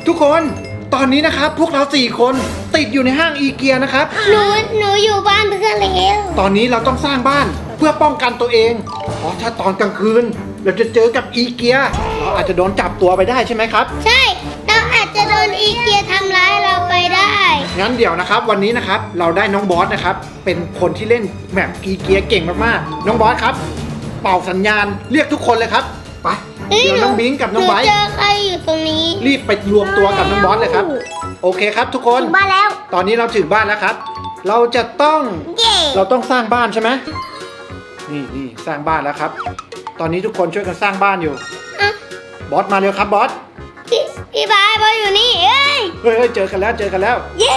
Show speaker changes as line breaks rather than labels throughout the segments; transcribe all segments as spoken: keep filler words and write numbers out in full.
ทุกคนตอนนี้นะครับพวกเราสี่คนติดอยู่ในห้างอีเกียนะครับ
หนูหนูอยู่บ้านเพื่อนแล้ว
ตอนนี้เราต้องสร้างบ้านเพื่อป้องกันตัวเองเพราะถ้าตอนกลางคืนเราจะเจอกับอีเกียเราอาจจะโดนจับตัวไปได้ใช่ไหมครับ
ใช่เราอาจจะโดนอีเกียทำร้ายเราไปได้
งั้นเดี๋ยวนะครับวันนี้นะครับเราได้น้องบอสนะครับเป็นคนที่เล่นแมปอีเกียเก่งมากๆน้องบอสครับเป่าสัญญาณเรียกทุกคนเลยครับไปเดี๋ยวน้องบิงกับน้องไบร์ท
เจอใครอยู่ตรงนี้
รีบไปรวมตัวกับน้องบอสเลยครับโอเคครับทุกคน
ถึงบ้านแล้ว
ตอนนี้เราถึงบ้านแล้วครับเราจะต้อง
เย่
เราต้องสร้างบ้านใช่ไหมนี่นี่สร้างบ้านแล้วครับตอนนี้ทุกคนช่วยกันสร้างบ้านอยู่
อ่ะ
บอสมาเร็วครับบอส
พี่พี่บายบอยอยู่นี่เอ้ย
เฮ้ยเฮ้ยเจอกันแล้วเจอกันแล้ว
เย่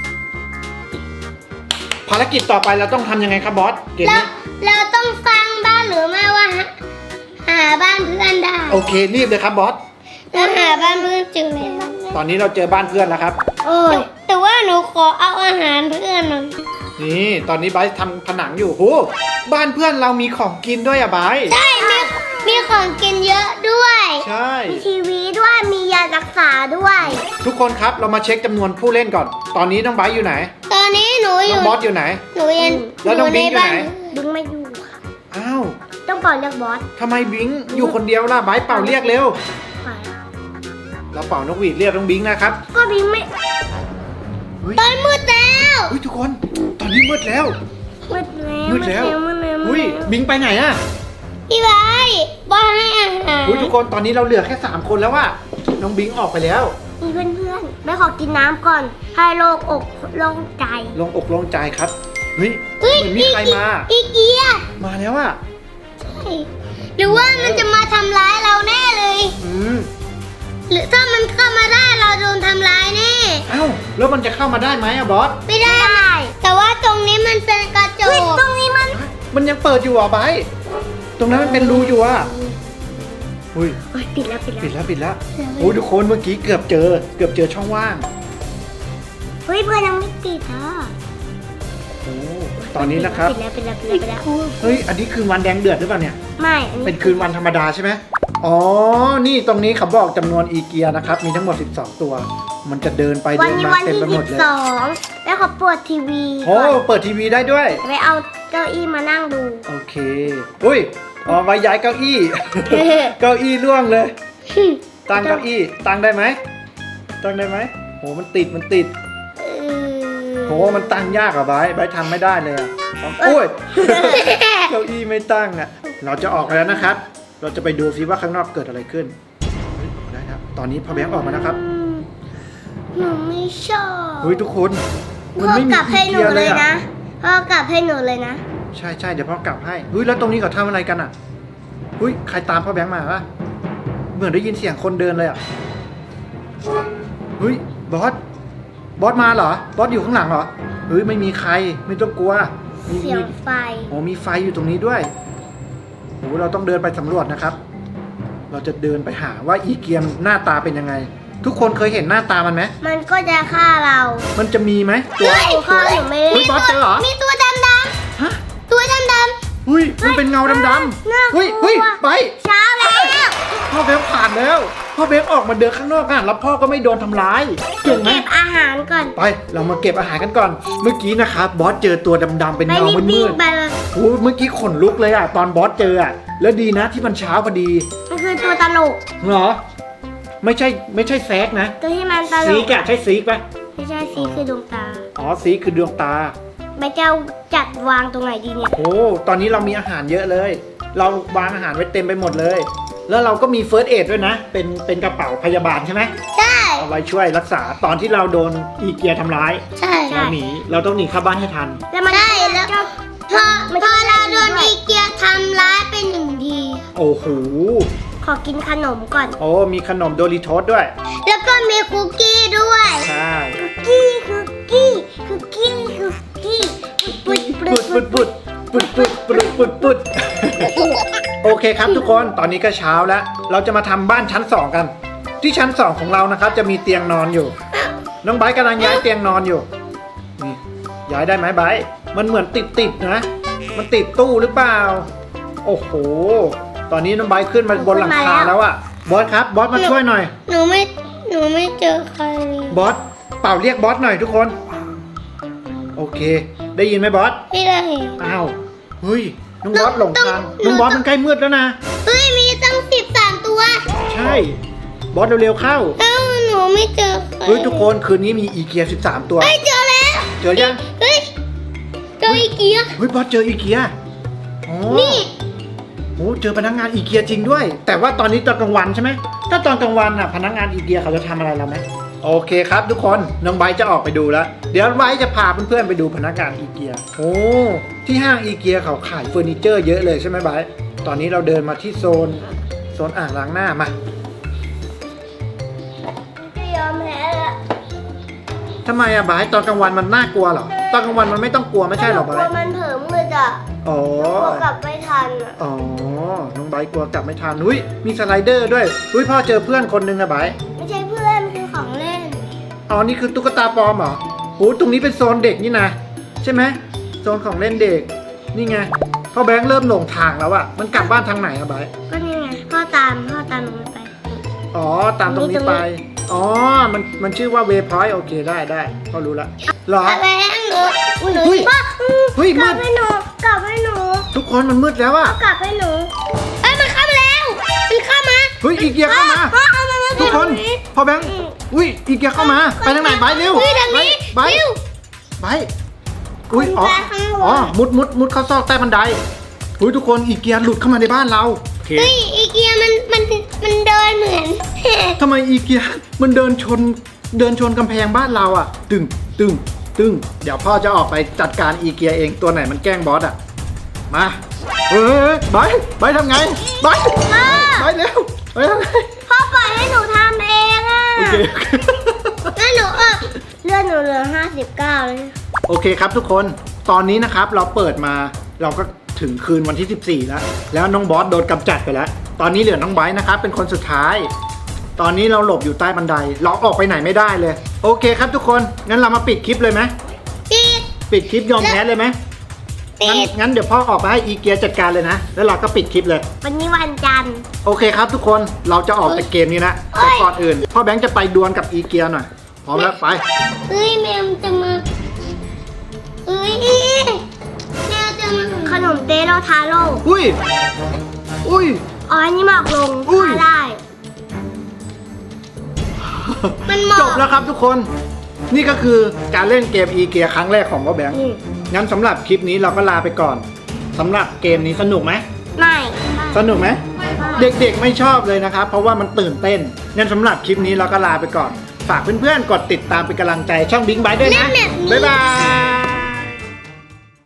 ภารกิจต่อไปเราต้องทำยังไงครับบอสเกม
เรา
นี้
เราต้องสร้างบ้านหรือไม่ว่าหาหาบ้านเพื่อนได้
โอเครีบเลยครับบอส
เราหาบ้านเพื่อนเจอแล้ว
ตอนนี้เราเจอบ้านเพื่อนแล้วครับ
โอ้ยแต่ว่าหนูขอเอาอาหารเพื่อนหน่อย
นี่ตอนนี้ไบร์ททำผนังอยู่โหบ้านเพื่อนเรามีของกินด้วยอะไบร์ท
ใช่มีมีของกินเยอะด้วย
ใช่
มีทีวีด้วยมียารักษาด้วย
ทุกคนครับเรามาเช็คจำนวนผู้เล่นก่อน ตอนนี้น้องไบร์ทอยู่ไหน
ตอนนี้หนูอ
น้อยู่ งบอสอยู่ไหน
หนูยัง
แล้วน้องบิ๊กอยู่ไหน
บิ๊กไม่อยู่ค่ะ
อ้าว
ต้องเป่าเรียกบอส
ทำไมบิงอยู่คนเดียวล่ะไบร์ทเป่าเรียกเร็ว
ไป
เราเป่านกหวีดเรียกน้องบิงนะครับ
ก็บิ๊กไม่
เฮ้ย
ตอนมืดแล้ว
เฮ้ยทุกคนตอนนี้มืดแล้ว
มืดแล้ว
มืดแล้ว
มืดแล้วมื
เฮ้
ด
ย
แล้ว
บิงไปไหนอะ
พี่ไว้บอสให้อาหาร
เฮ้ยทุกคนตอนนี้เราเหลือแค่สามคนแล้วว่ะน้องบิงออกไปแล้ว
มีเพื่อนๆไม่ขอกินน้ำก่อนให้โลกอกโล่งใจ
ลงอกลงใจครับเฮ้ย
เฮ้ย
เหมือนมีใครมา
อีเกีย
มาแล้วอะ
หรือว่ามันจะมาทำร้ายเราแน่เลย
อืม
หรือถ้ามันเข้ามาได้เราโดนทำร้ายแน่
เอ้าแล้วมันจะเข้ามาได้ไหมอะบอส
ไม่ได้ แต่ว่าตรงนี้มันเป็นกระจกตรงนี้มัน
มันยังเปิดอยู่อ่ะไบร์ทตรงนั้นมันเป็นรูอยู่อ่ะอุ้ย
ปิดแล้วปิดแล้ว
ปิดแล้วปิดแล้วโอ้ยทุกคนเมื่อกี้เกือบเจอ เกือบเจอช่องว่าง
เฮ้ยเพื่อนยังไม่ปิดอ่ะ
โอ้ตอนนี้นะครับ
ปิดแล้วปิดแล้วปิดแล้วปิดแล้ว
เฮ้ยอันนี้คืนวันแดงเดือดหรือเปล่าเนี่ย
ไม่อัน
เป็
นี้
นคืนวันธรรมดาใช่ไหมอ๋อนี่ตรงนี้เขาบอกจำนวนอีเกียนะครับมีทั้งหมดสิบสองตัว มันจะเดินไป
วัน
เดิน
นี้
มา
วัน
เต็ม
ที่
ไปห
สิ
มด
บ
เลย
สองแล้วเขาเปิดทีวี
โอ้เปิดทีวีได้ด้วย
ไปเอาเก้าอี้มานั่งดู
โอเคอุ้ยอ๋อไว้ย้ายเก้าอี้ เก้าอี้ล่วงเลย ตั้งเก้าอี้ตั้งได้ไหมตั้งได้ไหมโหมันติดมันติด
เออ
โหมันตั้งยากอะไบร์ทไบร์ททำไม่ได้เลยอะโอ้ย เก้าอี้ไม่ตั้งอะเราจะออกแล้วนะครับ เราจะไปดูซิว่าข้างนอกเกิดอะไรขึ้นเฮ้ยได้ครับตอนนี้พ่อแบงค์ออกมานะครับ
หนูไม่ชอบ
เฮ้ยทุกคนมัน
พ่อ
ไม่
ก
มี
ลับให้หนู
อีกี
เลย
อะ
นะพ่อกลับให้หนูเลยนะ
ใช่ใช่เดี๋ยวพ่อกลับให้เฮ้ยแล้วตรงนี้เขาทำอะไรกันอะเฮ้ยใครตามพ่อแบงค์มาปะเหมือนได้ยินเสียงคนเดินเลยอะเฮ้ยบอสบอสมาเหรอบอสอยู่ข้างหลังเหรอเฮ้ยไม่มีใครไม่ต้องกลัวมี
เสียง
มี
ไฟ
โอ้มีไฟอยู่ตรงนี้ด้วยโอ้เราต้องเดินไปสำรวจนะครับ เราจะเดินไปหาว่าอีเกียมหน้าตาเป็นยังไง ทุกคนเคยเห็นหน้าตามันไหม
มันก็จะฆ่าเรา
มันจะมีไหมตัว
เฮ้ยฆ่าหนูไม่
เฮ้ยบอสเจอเหรอ
มีตัวดำด
ฮะ
ำตัวดำด
เฮ้ยมันเป็นเงาดำ
น่าก
ๆ
ลัว
เฮ้ยเฮ้ยไป
ำเช้าแล้ว
พ่อเบฟผ่านแล้วพ่อเบฟออกมาเดินข้างนอกอ่ะแล้วพ่อก็ไม่โดนทำร้ายเก่งไหม
เก็บอาหารก่อน
ไปเรามาเก็บอาหารกันก่อน เมื่อกี้นะครับบอสเจอตัวดำๆเป็น
ไป
เงา
รีบ
มื
วิ่ง
ด
ไปเลย
ๆโอ้เมื่อกี้ขนลุกเลยอ่ะตอนบอสเจออ่ะแล้วดีนะที่มันเช้าพอดี
มันคือตัวตลก
เหรอไม่ใช่ไม่ใช่แซกนะ
ตัวที่มันตล
ซี
ก
กอะใช่ซีกปะ
ไม่ใช่สีคือดวงตา
อ๋อซีกคือดวงตา
ใบเจ้าจัดวางตรงไหนดีเนี่ย
โอ้ตอนนี้เรามีอาหารเยอะเลย เราวางอาหารไว้เต็มไปหมดเลย แล้วเราก็มีเฟิร์สเอดด้วยนะ เป็นเป็นกระเป๋าพยาบาลใช่ไหม
ใช่
เอาไว้ช่วยรักษาตอนที่เราโดนอีเกียทำร้าย
ใช่
เราหนีเราต้องหนีเข้าบ้านให้ทัน
แล้วมันได้แล้วพอพอเราโดนอีเกียทำร้ายเป็นหนึ่งที
โอ้โห
ขอกินขนมก่อน
โอ้มีขนมโดริโทสด้วย
แล้วก็มีคุกกี้ด้วย
ใช่
คุกกี้คุกกี้คุกกี้คุกกี้ปุดปุ
ปุ
ด
ด
ปุ
ปุ
ด
ดปุดปุดปุดปุดปุดปุดโอเคครับทุกคนตอนนี้ก็เช้าแล้ว เราจะมาทำบ้านชั้นสองกัน ที่ชั้นสองของเรานะครับ จะมีเตียงนอนอยู่ น้องไบร์ทกำลังย้ายเตียงนอนอยู่นี่ย้ายได้ไหมไบร์ทมันเหมือนติดติดๆนะ มันติดตู้หรือเปล่า โอ้โห ตอนนี้น้องไบร์ทขึ้นมาบนหลังคาแล้วอะบอสครับบอสมาช่วยหน่อย
หนูไม่หนูไม่เจอใครเลย
บอสเป่าเรียกบอสหน่อยทุกคนโอเค ได้ยินไหมบอส
ไม่ได้
อ้าวเฮ้ยน้องบอสหลงทาง
ต้อง
น้องบอสมันใกล้มืดแล้วนะ
เฮ้ยมีตั้งสิบสามตัว
ใช่บอสเร็วๆเข้า
เอ้าหนูไม่เจอใคร
เฮ้ยทุกคนคืนนี้มีอีเกียสิบสามตัว
เฮ้ยเจอแล้ว
เจอยัง
เฮ้ยเจออีเกีย
เฮ้ยบอสเจออีเกียอ๋อ
นี่
โอ้เจอพนักงานอีเกียจริงด้วย แต่ว่าตอนนี้ตอนกลางวันใช่ไหมถ้าตอนกลางวันอ่ะพนักงานอีเกียเขาจะทำอะไรเราไหมโอเคครับทุกคนน้องไบร์ทจะออกไปดูแล้ว เดี๋ยวไบร์ทจะพาเพื่อนๆไปดูพนักงานอีเกียโอ้ที่ห้างอีเกียเขาขายเฟอร์นิเจอร์เยอะเลยใช่ไหมไบร์ทตอนนี้เราเดินมาที่โซนโซนอ่างล้างหน้ามา
จะยอมแพ้แล้ว
ทำไมอะไบร์ทตอนกลางวันมันน่ากลัวเหรอตอนกลางวันมันไม่ต้องกลัวไม่ใช่เหรอไบ
ก
ร์
ลัว
ท
มันเผลอมืดอ่ะ
อ๋อก
ลัวกลับไม่ทันอ่ะ
อ๋อน้องไบร์ทกลัวกลับไม่ทันอุ้ยมีสไลเดอร์ด้วยอุ้ยพ่อเจอเพื่อนคนนึงอะไบร์ท
ไม่ใช่เพื่อนมันคือของเล่น
อ๋อ นี่คือตุ๊กตาปลอมเหรอโอ้ตรงนี้เป็นโซนเด็กนี่นะ ใช่ไหมโซนของเล่นเด็ก นี่ไง พ่อแบงค์เริ่มหลงทางแล้วอะมันกลับบ้านทางไหนอะไบร์ท
ก็นี่ไงพ่อตามพ่อตามลงไป
อ๋อ ตามตรงนี้ไป อ๋อ มัน มันชื่อว่าเวพอยต์โอเค ได้ได้พ่อรู้ละเหรอ
กลับไปแล้วหนูหนู
เฮ้ย
พ่อ
เฮ้ย
ก
มื
ลับ
ด
ให้หนูกลับให้หนู
ทุกคนมันมืดแล้วอะ
กลับให้หนูเอ้ยมันเข้ามาแล้วมันเข้ามา
เฮ้ย อีเกียเข้ามา
พ่อเอามามา
ทุกคน
ตรงนี้
พ่อแบงค์ อุ้ย อีเกียเข้ามา ไปทางไหนไบร์ทเร็ว
เฮ้ยทางนี้
ไบร์ท
เร็ว
ไบร์ทอุ้ย อ๋อ
ไปข้างบน
อ๋อ มุดมุดมุดเข้าซอกใต้บันไดอุ้ยทุกคนอีเกียหลุดเข้ามาในบ้านเราโอเค
เฮ้ยอีเกียมันมันมันเดินเหมือน
ทำไมอีเกียมันเดินชนเดินชนกำแพงบ้านเราอ่ะ ตึงตึงตึงเดี๋ยวพ่อจะออกไปจัดการอีเกียเองตัวไหนมันแกล้งบอสอ่ะมาเฮ้ยไบร์ทไบร์ททำไงไบร์ทไบร์ทเร็วไบร์ททำไง
พ่อปล่อยให้หนูทำเองอ่ะ
โอเค
งั้นหนูเออเลือดหนูเหลือห้าสิบเก้าเลย
โอเคครับทุกคนตอนนี้นะครับเราเปิดมาเราก็ถึงคืนวันที่สิบสี่แล้วแล้วน้องบอสโดนกำจัดไปแล้วตอนนี้เหลือน้องไบร์ทนะครับเป็นคนสุดท้าย ตอนนี้เราหลบอยู่ใต้บันไดเราออกไปไหนไม่ได้เลยโอเคครับทุกคนงั้นเรามาปิดคลิปเลยไหม
ปิด
ปิดคลิปยอมแพ้เลยไหม
ปิ
งั้น
ด
งั้นเดี๋ยวพ่อออกไปให้อีเกียจัดการเลยนะ แล้วเราก็ปิดคลิปเลย
วันนี้วันจันทร์
โอเคครับทุกคนเราจะออกจากเกมนี้นะ
เอ้
แต่
ย
ก่อนอื่น พ่อแบงค์จะไปดวลกับอีเกียหน่อย พร้อมแล้วไป
เฮ้ยแมวจะมาเฮ้ยแมวจะมาขนมเตโรทาโร่
อุ้ย อุ้ย
อ๋ออันนี้หมอกลง
อุ้ย
ทาได้ มันหมอก
จบแล้วครับทุกคน นี่ก็คือการเล่นเกมอีเกียครั้งแรกของพ่อแบงค์
อืม
งั้นสำหรับคลิปนี้เราก็ลาไปก่อนสำหรับเกมนี้สนุกไหม
ไม่
สนุกไหมเด็กๆไม่ชอบเลยนะครับ เพราะว่ามันตื่นเต้นงั้นสำหรับคลิปนี้เราก็ลาไปก่อน ฝากเพื่อนๆกดติดตามเป็นกำลังใจช่องบิงไบด้วยนะ บ๊ายบาย